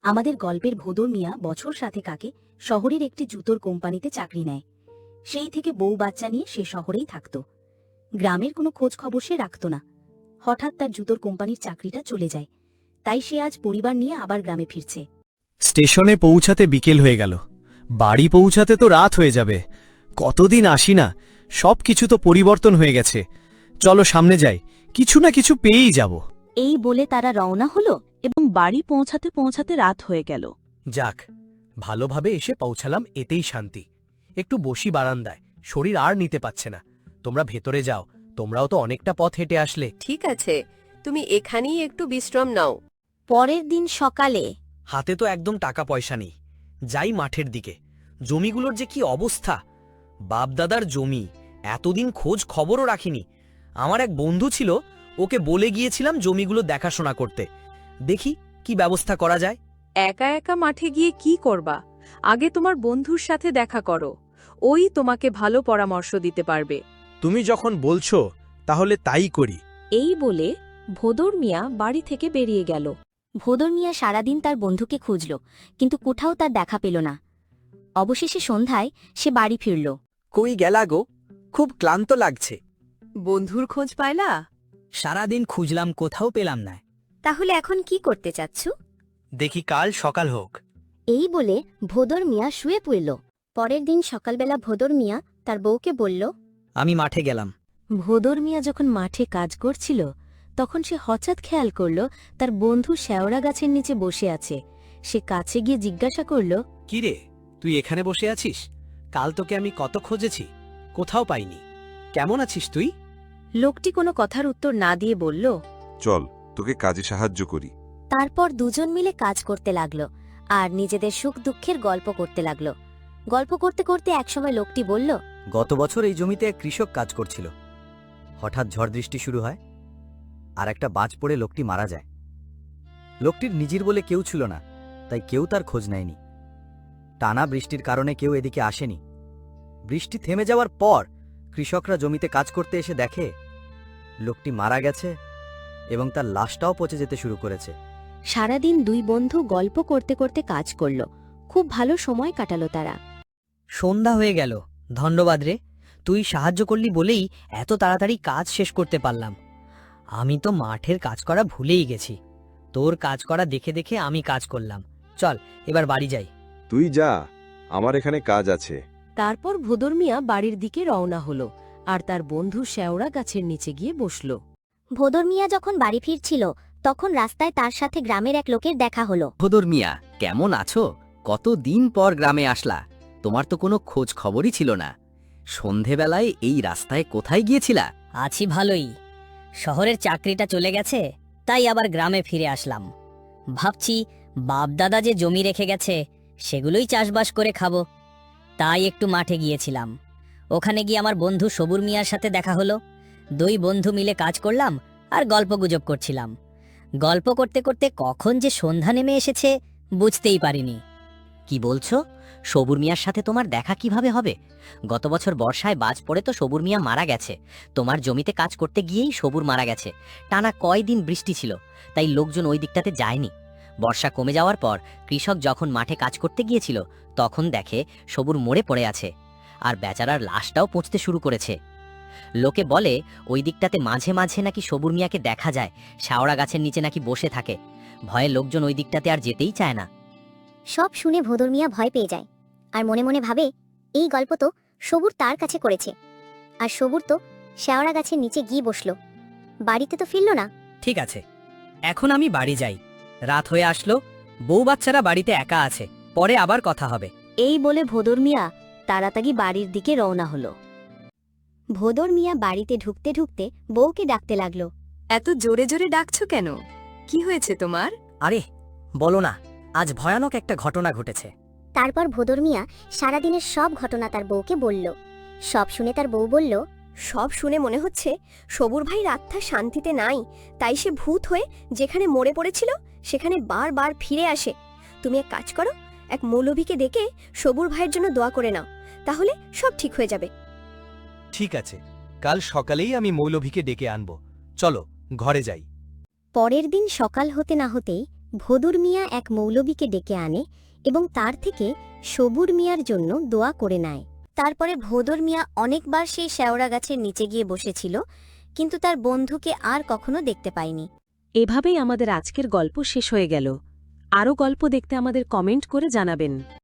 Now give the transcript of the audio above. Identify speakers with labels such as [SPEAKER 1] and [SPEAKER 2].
[SPEAKER 1] আমাদের গল্পের ভোদর মিয়া বছর সাথে কাকে শহরের একটি জুতোর কোম্পানিতে চাকরি নেয়। সেই থেকে বউ বাচ্চা নিয়ে সে শহরেই থাকত। গ্রামের কোনো খোঁজ খবর সে রাখত না। হঠাৎ তার জুতোর কোম্পানির চাকরিটা চলে যায়। তাই সে আজ পরিবার নিয়ে আবার গ্রামে ফিরছে।
[SPEAKER 2] স্টেশনে পৌঁছাতে বিকেল হয়ে গেল, বাড়ি পৌঁছাতে তো রাত হয়ে যাবে। কতদিন আসি না, সব কিছু তো পরিবর্তন হয়ে গেছে। চলো সামনে যাই, কিছু না কিছু পেয়েই যাব।
[SPEAKER 3] এই বলে তারা রওনা হলো এবং বাড়ি পৌঁছাতে পৌঁছাতে রাত হয়ে গেল।
[SPEAKER 4] যাক, ভালোভাবে এসে পৌঁছালাম, এতেই শান্তি। একটু বসি বারান্দায়, শরীর আর নিতে পারছে না। তোমরা ভেতরে যাও, তোমরাও তো অনেকটা পথ হেঁটে আসলে।
[SPEAKER 5] ঠিক আছে, তুমি এখানেই একটু বিশ্রাম নাও।
[SPEAKER 3] পরের দিন সকালে
[SPEAKER 4] হাতে তো একদম টাকা পয়সা নেই। যাই মাঠের দিকে, জমিগুলোর যে কি অবস্থা! বাপদাদার জমি, এতদিন খোঁজ খবরও রাখিনি। আমার এক বন্ধু ছিল, ওকে বলে গিয়েছিলাম জমিগুলো দেখাশোনা করতে। দেখি কি ব্যবস্থা করা যায়।
[SPEAKER 6] একা একা মাঠে গিয়ে কি করবা? আগে তোমার বন্ধুর সাথে দেখা করো, ওই তোমাকে ভালো পরামর্শ দিতে পারবে।
[SPEAKER 7] তুমি যখন বলছো তাহলে তাই করি।
[SPEAKER 3] এই বলে ভোদর মিয়া বাড়ি থেকে বেরিয়ে গেল।
[SPEAKER 1] ভোদর মিয়া সারাদিন তার বন্ধুকে খুঁজল, কিন্তু কোথাও তার দেখা পেল না। অবশেষে সন্ধ্যায় সে বাড়ি ফিরল।
[SPEAKER 8] কই গেলা গো? খুব ক্লান্ত লাগছে।
[SPEAKER 5] বন্ধুর খোঁজ পাইলা?
[SPEAKER 8] সারাদিন খুঁজলাম, কোথাও পেলাম না।
[SPEAKER 1] তাহলে এখন কি করতে চাচ্ছ?
[SPEAKER 4] দেখি কাল সকাল হোক।
[SPEAKER 1] এই বলে ভোদর মিয়া শুয়ে পড়ল। পরের দিন সকালবেলা ভোদর মিয়া তার বউকে বলল,
[SPEAKER 8] আমি মাঠে গেলাম।
[SPEAKER 3] ভোদর মিয়া যখন মাঠে কাজ করছিল তখন সে হঠাৎ খেয়াল করল তার বন্ধু শেওড়া গাছের নিচে বসে আছে। সে কাছে গিয়ে জিজ্ঞাসা করল,
[SPEAKER 4] কিরে, তুই এখানে বসে আছিস? কাল তোকে আমি কত খুঁজেছি, কোথাও পাইনি। কেমন আছিস তুই?
[SPEAKER 3] লোকটি কোনো কথার উত্তর না দিয়ে বলল,
[SPEAKER 9] চল তোকে কাজে সাহায্য করি।
[SPEAKER 1] তারপর দুজন মিলে কাজ করতে লাগল আর নিজেদের সুখ দুঃখের গল্প করতে লাগল। গল্প করতে করতে একসময় লোকটি বলল,
[SPEAKER 8] গত বছর এই জমিতে এক কৃষক কাজ করছিল। হঠাৎ ঝড় বৃষ্টি শুরু হয় আর একটা বাজ পড়ে লোকটি মারা যায়। লোকটির নিজের বলে কেউ ছিল না, তাই কেউ তার খোঁজ নেয়নি। টানা বৃষ্টির কারণে কেউ এদিকে আসেনি। বৃষ্টি থেমে যাওয়ার পর কৃষকরা জমিতে কাজ করতে এসে দেখে লোকটি মারা গেছে এবং তার লাশটাও পচে যেতে শুরু করেছে।
[SPEAKER 3] সারাদিন দুই বন্ধু গল্প করতে করতে কাজ করল। খুব ভালো সময় কাটালো তারা।
[SPEAKER 8] সন্ধ্যা হয়ে গেল। ধন্যবাদ রে, তুই সাহায্য করলি বলেই এত তাড়াতাড়ি কাজ শেষ করতে পারলাম। আমি তো মাঠের কাজ করা ভুলেই গেছি। তোর কাজ করা দেখে দেখে আমি কাজ করলাম। চল এবার বাড়ি যাই।
[SPEAKER 9] তুই যা, আমার এখানে কাজ আছে।
[SPEAKER 3] তারপর ভোদর মিয়া বাড়ির দিকে রওনা হলো আর তার বন্ধু শেওড়া গাছের নিচে গিয়ে বসল।
[SPEAKER 1] ভোদর মিয়া যখন বাড়ি ফিরছিল তখন রাস্তায় তার সাথে গ্রামের এক লোকের দেখা হলো।
[SPEAKER 8] ভোদর মিয়া, কেমন আছো? কতদিন পর গ্রামে আসলা, তোমার তো কোনো খোঁজ খবরই ছিল না। সন্ধেবেলায় এই রাস্তায় কোথায় গিয়েছিলা?
[SPEAKER 10] আছি ভালোই, শহরের চাকরিটা চলে গেছে, তাই আবার গ্রামে ফিরে আসলাম। ভাবছি বাপদাদা যে জমি রেখে গেছে সেগুলোই চাষবাস করে খাবো। তাই একটু মাঠে গিয়েছিলাম। ওখানে গিয়ে আমার বন্ধু সবুর মিয়ার সাথে দেখা হলো। দুই বন্ধু মিলে কাজ করলাম আর গল্পগুজব করছিলাম। গল্প করতে করতে কখন যে সন্ধ্যা নেমে এসেছে বুঝতেই পারিনি।
[SPEAKER 8] কি বলছো? সবুর মিয়ার সাথে তোমার দেখা কিভাবে হবে? গত বছর বর্ষায় বাজ পড়ে তো সবুর মিয়া মারা গেছে। তোমার জমিতে কাজ করতে গিয়েই সবুর মারা গেছে। টানা কয়দিন বৃষ্টি ছিল, তাই লোকজন ওই দিকটাতে যায়নি। বর্ষা কমে যাওয়ার পর কৃষক যখন মাঠে কাজ করতে গিয়েছিল তখন দেখে সবুর মরে পড়ে আছে আর বেচারার লাশটাও পচতে শুরু করেছে। লোকে বলে ওই দিকটাতে মাঝে মাঝে নাকি সবুর মিয়াকে দেখা যায়, শেওড়া গাছের নিচে নাকি বসে থাকে। ভয়ে লোকজন ওই দিকটাতে আর যেতেই চায় না।
[SPEAKER 1] সব শুনে ভোদর মিয়া ভয় পেয়ে যায় আর মনে মনে ভাবে, এই গল্প তো সবুর তার কাছে করেছে, আর সবুর তো শেওড়া গাছের নিচে গিয়ে বসল, বাড়িতে তো ফিরল না।
[SPEAKER 8] ঠিক আছে, এখন আমি বাড়ি যাই। রাত হয়ে আসলো, বউ বাচ্চারা বাড়িতে একা আছে, পরে আবার কথা হবে।
[SPEAKER 3] এই বলে ভোদর মিয়া তাড়াতাড়ি বাড়ির দিকে রওনা হলো।
[SPEAKER 1] ভোদর মিয়া বাড়িতে ঢুকতে ঢুকতে বউকে ডাকতে লাগলো।
[SPEAKER 5] এত জোরে জোরে ডাকছো কেন? কি হয়েছে তোমার?
[SPEAKER 8] আরে বলো না, আজ ভয়ানক একটা ঘটনা ঘটেছে।
[SPEAKER 1] তারপর ভোদর মিয়া সারাদিনের সব ঘটনা তার বউকে বলল। সব শুনে তার বউ বলল,
[SPEAKER 5] সব শুনে মনে হচ্ছে সবুর ভাইয়ের আত্মা শান্তিতে নাই, তাই সে ভূত হয়ে যেখানে মরে পড়েছিল সেখানে বারবার ফিরে আসে। তুমি এক কাজ করো, এক মৌলভীকে ডেকে সবুর ভাইয়ের জন্য দোয়া করে নাও, তাহলে সব ঠিক হয়ে যাবে।
[SPEAKER 4] ঠিক আছে, কাল সকালেই আমি মৌলভীকে ডেকে আনব। চলো ঘরে যাই।
[SPEAKER 1] পরের দিন সকাল হতে না হতেই
[SPEAKER 5] ভোদর মিয়া এক মৌলবীকে ডেকে আনে এবং তার থেকে সবুর মিয়ার জন্য দোয়া করে নেয়। তারপরে ভোদর মিয়া অনেকবার সেই শেওড়া গাছের নিচে গিয়ে বসেছিল, কিন্তু তার বন্ধুকে আর কখনো দেখতে পায়নি।
[SPEAKER 6] এভাবেই আমাদের আজকের গল্প শেষ হয়ে গেল। আরও গল্প দেখতে আমাদের কমেন্ট করে জানাবেন।